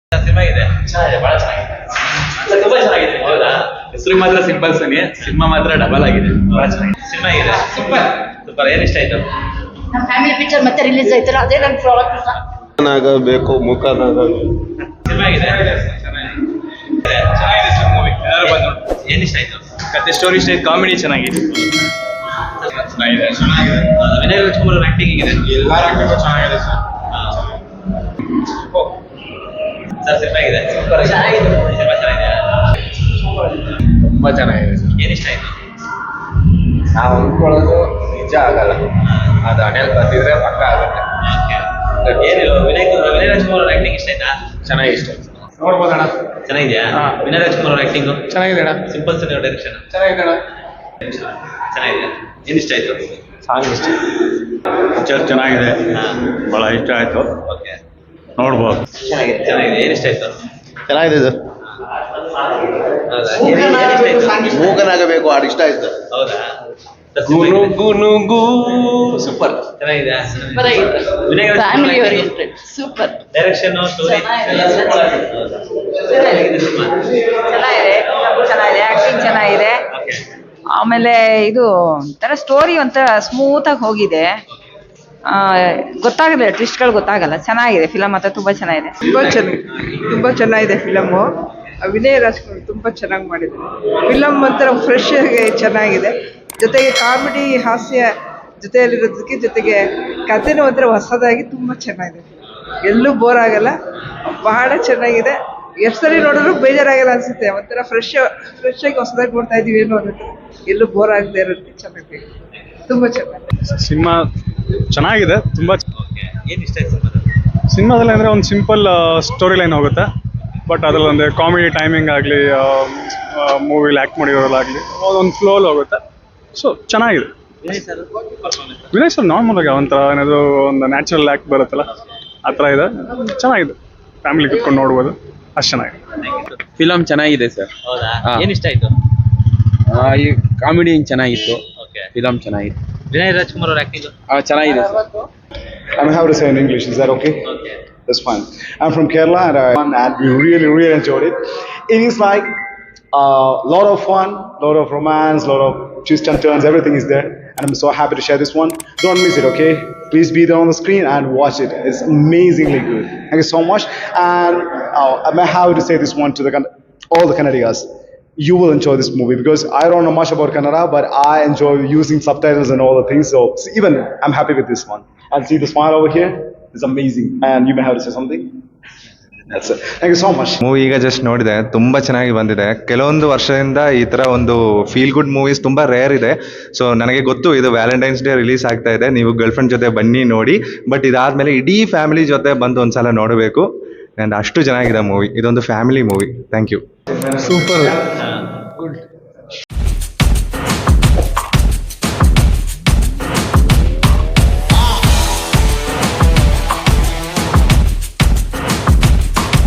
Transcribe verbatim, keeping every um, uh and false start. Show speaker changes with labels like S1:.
S1: Cinema ಇದೆ, ಚೆನ್ನಾಗಿದೆ, ಬಹಳ ಚೆನ್ನಾಗಿದೆ, ತುಂಬಾ ಚೆನ್ನಾಗಿದೆ. ಹೌದಾ?
S2: ಹೆಸರು ಮಾತ್ರ ಸಿಂಪಲ್ ಸನಿ, ಸಿನಿಮಾ ಮಾತ್ರ ಡಬಲ್ ಆಗಿದೆ, ಬಹಳ ಚೆನ್ನಾಗಿದೆ.
S1: ಸಿನಿಮಾ ಇದೆ, ಸೂಪರ್ ಸೂಪರ್. ಏನ್ ಇಷ್ಟ ಆಯ್ತು?
S3: ನಮ್ಮ ಫ್ಯಾಮಿಲಿ ಪಿಕ್ಚರ್ ಮತ್ತೆ ರಿಲೀಸ್ ಆಯ್ತಲ್ಲ, ಅದೇ ನನ್ನ ಪ್ರಾಡಕ್ಟ್ ಇಷ್ಟ.
S4: ಆಗಬೇಕು ಮುಖನಾಗಬೇಕು.
S1: ಸಿನಿಮಾ ಇದೆ,
S2: ಚೆನ್ನಾಗಿದೆ ಸರ್ ಮೂವಿ. ಎಲ್ಲರೂ ಬಂದು
S1: ಏನ್ ಇಷ್ಟ ಆಯ್ತು?
S2: ಕತೆ ಸ್ಟೋರಿ ಸ್ಟೈಲ್ ಕಾಮಿಡಿ ಚೆನ್ನಾಗಿದೆ.
S1: ಚೆನ್ನಾಗಿದೆ, ಚೆನ್ನಾಗಿದೆ. ವಿನಯ್ ರಾಜ್ಕುಮಾರ್ ಅವ್ರ ಆಕ್ಟಿಂಗ್ ಹೇಗಿದೆ?
S4: ಎಲ್ಲರ ಆಕ್ಟಿಂಗು ಚೆನ್ನಾಗಿದೆ ಸರ್.
S1: ಸರ್ ಸಿನಿಮಾ ಇದೆ, ಸೂಪರ್ ಚೆನ್ನಾಗಿದೆ. ಸಿನಿಮಾ ಚೆನ್ನಾಗಿದೆ,
S4: ತುಂಬಾ ಚೆನ್ನಾಗಿದೆ ಸರ್.
S1: ಏನ್ ಇಷ್ಟ ಆಯ್ತು?
S4: ನಾವು ಅಂದ್ಕೊಳ್ಳೋದು ನಿಜ ಆಗಲ್ಲ, ಅದು ಹಣೆಯಲ್ಲಿ ಬರ್ತಿದ್ರೆ ಪಕ್ಕ ಆಗುತ್ತೆ.
S1: ಏನಿಲ್ಲ, ವಿನಯ್ ವಿನಯ್ ರಾಜ್ಕುಮಾರ್ ಅವ್ರ ಆಕ್ಟಿಂಗ್ ಇಷ್ಟ ಆಯ್ತಾ?
S4: ಚೆನ್ನಾಗಿ ಇಷ್ಟ ಆಯ್ತು. ನೋಡ್ಬೋದಣ್ಣ?
S1: ಚೆನ್ನಾಗಿದ್ಯಾ?
S4: ಹಾ.
S1: ವಿನಯ್ ರಾಜ್ಕುಮಾರ್ ಅವ್ರ ಆಕ್ಟಿಂಗ್
S4: ಚೆನ್ನಾಗಿದೆ ಅಣ್ಣ.
S1: ಸಿಂಪಲ್ ಸರ್ ಡೈರೆಕ್ಷನ್
S4: ಚೆನ್ನಾಗಿದೆ ಅಣ್ಣ.
S1: ಚೆನ್ನಾಗಿದೆ. ಏನ್ ಇಷ್ಟ ಆಯ್ತು?
S4: ಸಾಂಗ್ ಇಷ್ಟ.
S2: ಪಿಕ್ಚರ್ ಚೆನ್ನಾಗಿದೆ,
S1: ಹಾ,
S2: ಬಹಳ ಇಷ್ಟ ಆಯ್ತು,
S1: ಓಕೆ.
S2: ನೋಡ್ಬೋದು.
S1: ಚೆನ್ನಾಗಿದೆ, ಚೆನ್ನಾಗಿದೆ. ಏನ್ ಇಷ್ಟ ಆಯ್ತು?
S4: ಚೆನ್ನಾಗಿದೆ ಸರ್.
S1: ಹೌದಾ? ಏನ್- ಏನ್ ಇಷ್ಟ ಆಯ್ತು?
S4: ಮೂಕನಾಗಬೇಕು ಹಾಡು ಇಷ್ಟ ಆಯ್ತು.
S1: ಹೌದಾ? ಸರ್, ಸಿನಿಮಾ
S4: ಗುನು
S1: ಹೇಗಿದೆ?
S4: ಗುನುಗು ಸೂಪರ್.
S1: ಚೆನ್ನಾಗಿದೆ.
S3: ಸೂಪರ್ ಆಗಿದೆ,
S1: Vinay
S3: family
S1: Rajkumar
S3: oriented, super.
S1: Direction, story
S3: ಚೆನ್ನಾಗಿದೆ.
S1: ಎಲ್ಲ ಸೂಪರ್ ಆಗಿದೆ. ಹೌದಾ? ಹೇಗಿದೆ ಸಿನಿಮಾ?
S5: ಚೆನ್ನಾಗಿದೆ, ಚೆನ್ನಾಗಿದೆ, ಆಕ್ಟಿಂಗ್ ಚೆನ್ನಾಗಿದೆ.
S1: ಓಕೆ.
S5: ಆಮೇಲೆ ಇದು ತರ ಸ್ಟೋರಿ ಒಂಥರ ಸ್ಮೂತ್ ಆಗಿ ಹೋಗಿದೆ. ಆ, ಗೊತ್ತಾಗಲ್ಲ, ಟ್ವಿಸ್ಟ್ಗಳು ಗೊತ್ತಾಗಲ್ಲ. ಚೆನ್ನಾಗಿದೆ ಫಿಲಮ್, ಮಾತ್ರ ತುಂಬಾ ಚೆನ್ನಾಗಿದೆ.
S6: ತುಂಬ ಚೆನ್ನಾಗಿ ತುಂಬ ಚೆನ್ನಾಗಿದೆ ಫಿಲಮ್ಮು. ವಿನಯ್ ರಾಜ್ಕುಮಾರ್ ತುಂಬ ಚೆನ್ನಾಗಿ ಮಾಡಿದ್ದಾರೆ. ಫಿಲಮ್ ಒಂಥರ ಫ್ರೆಶ್ ಆಗಿ ಚೆನ್ನಾಗಿದೆ, ಜೊತೆಗೆ ಕಾಮಿಡಿ ಹಾಸ್ಯ ಜೊತೆಯಲ್ಲಿರೋದಕ್ಕೆ ಜೊತೆಗೆ ಕಥೆನೂ ಒಂಥರ ಹೊಸದಾಗಿ ತುಂಬ ಚೆನ್ನಾಗಿದೆ. ಎಲ್ಲೂ ಬೋರ್ ಆಗಲ್ಲ, ಬಹಳ ಚೆನ್ನಾಗಿದೆ. ಎಷ್ಟು ಸರಿ ನೋಡಿದ್ರು ಬೇಜಾರಾಗಲ್ಲ ಅನಿಸುತ್ತೆ. ಒಂಥರ ಫ್ರೆಶ್ ಫ್ರೆಶ್ ಆಗಿ ಹೊಸದಾಗಿ ನೋಡ್ತಾ ಇದ್ದೀವಿ ಏನೋ ಅನ್ನೋದು, ಎಲ್ಲೂ ಬೋರ್ ಆಗದೆ ಇರೋದಕ್ಕೆ ಚೆನ್ನಾಗಿದೆ, ತುಂಬ ಚೆನ್ನಾಗಿದೆ.
S7: ಸಿನಿಮಾ ಚೆನ್ನಾಗಿದೆ ತುಂಬ.
S1: ಓಕೆ. ಏನ್ ಇಷ್ಟ ಆಯ್ತು ಸಿನಿಮಾದಲ್ಲಿ?
S7: ಸಿನಿಮಾದಲ್ಲಿ ಅಂದರೆ ಒಂದು ಸಿಂಪಲ್ ಸ್ಟೋರಿ ಲೈನ್ ಹೋಗುತ್ತೆ, ಬಟ್ ಅದರಲ್ಲಿ ಒಂದು ಕಾಮಿಡಿ ಟೈಮಿಂಗ್ ಆಗಲಿ, ಮೂವಿಲಿ ಆ್ಯಕ್ಟ್ ಮಾಡಿರೋದಾಗಲಿ ಒಂದು ಫ್ಲೋಲ್ ಹೋಗುತ್ತೆ. ಸೊ ಚೆನ್ನಾಗಿದೆ.
S1: Vinay sir performance
S7: Vinay sir normal ಆಗಿ ಒಂಥರ ಏನಾದರೂ ಒಂದು ನ್ಯಾಚುರಲ್ ಆ್ಯಕ್ಟ್ ಬರುತ್ತಲ್ಲ, ಆ ಥರ ಇದೆ. ಚೆನ್ನಾಗಿದೆ, ಫ್ಯಾಮಿಲಿ ಕುತ್ಕೊಂಡು ನೋಡ್ಬೋದು, ಅಷ್ಟು ಚೆನ್ನಾಗಿದೆ.
S8: ಫಿಲಮ್ ಚೆನ್ನಾಗಿದೆ ಸರ್.
S1: ಹೌದಾ?
S8: ಹಾ.
S1: ಏನ್ ಇಷ್ಟ ಆಯ್ತು?
S8: ಈ ಕಾಮಿಡಿ ಚೆನ್ನಾಗಿತ್ತು,
S1: ಓಕೆ.
S8: ಫಿಲಮ್ ಚೆನ್ನಾಗಿತ್ತು.
S1: ವಿನಯ್ ರಾಜ್ಕುಮಾರ್ ಅವ್ರ ಆಕ್ಟಿಂಗ್
S8: ಆ, ಚೆನ್ನಾಗಿದೆ sir.
S9: I'm how to say in English. Is that okay?
S1: Okay.
S9: That's fine. I'm from Kerala, and, I, and we really, really enjoyed it. It is like a uh, lot of fun, lot of romance, lot of twists and turns. Everything is there, and I'm so happy to share this one. Don't miss it, okay? Please be there on the screen and watch it. It's amazingly good. Thank you so much. And uh, I'm happy to say this one to the Kann- all the Kannadigas. You will enjoy this movie because I don't know much about Kannada, but I enjoy using subtitles and all the things. So even I'm happy with this one. And see the smile over here? It's amazing. And you may have to say something. That's it. Thank you so much.
S10: Movie ಈಗ just ನೋಡಿದೆ, ತುಂಬ ಚೆನ್ನಾಗಿ ಬಂದಿದೆ. ಕೆಲವೊಂದು ವರ್ಷದಿಂದ ಈ ಥರ ಒಂದು ಫೀಲ್ ಗುಡ್ ಮೂವೀಸ್ ತುಂಬ ರೇರ್ ಇದೆ. ಸೊ ನನಗೆ ಗೊತ್ತು ಇದು ವ್ಯಾಲೆಂಟೈನ್ಸ್ ಡೇ ರಿಲೀಸ್ ಆಗ್ತಾ ಇದೆ, ನೀವು ಗರ್ಲ್ ಫ್ರೆಂಡ್ ಜೊತೆ ಬನ್ನಿ ನೋಡಿ. ಬಟ್ ಇದಾದಮೇಲೆ ಇಡೀ ಫ್ಯಾಮಿಲಿ ಜೊತೆ ಬಂದು ಒಂದ್ಸಲ ನೋಡಬೇಕು. ಆ್ಯಂಡ್ ಅಷ್ಟು ಚೆನ್ನಾಗಿದೆ ಮೂವಿ. ಇದೊಂದು family movie. Thank you.
S4: Super.
S1: ಹಾ.
S4: ಗುಡ್.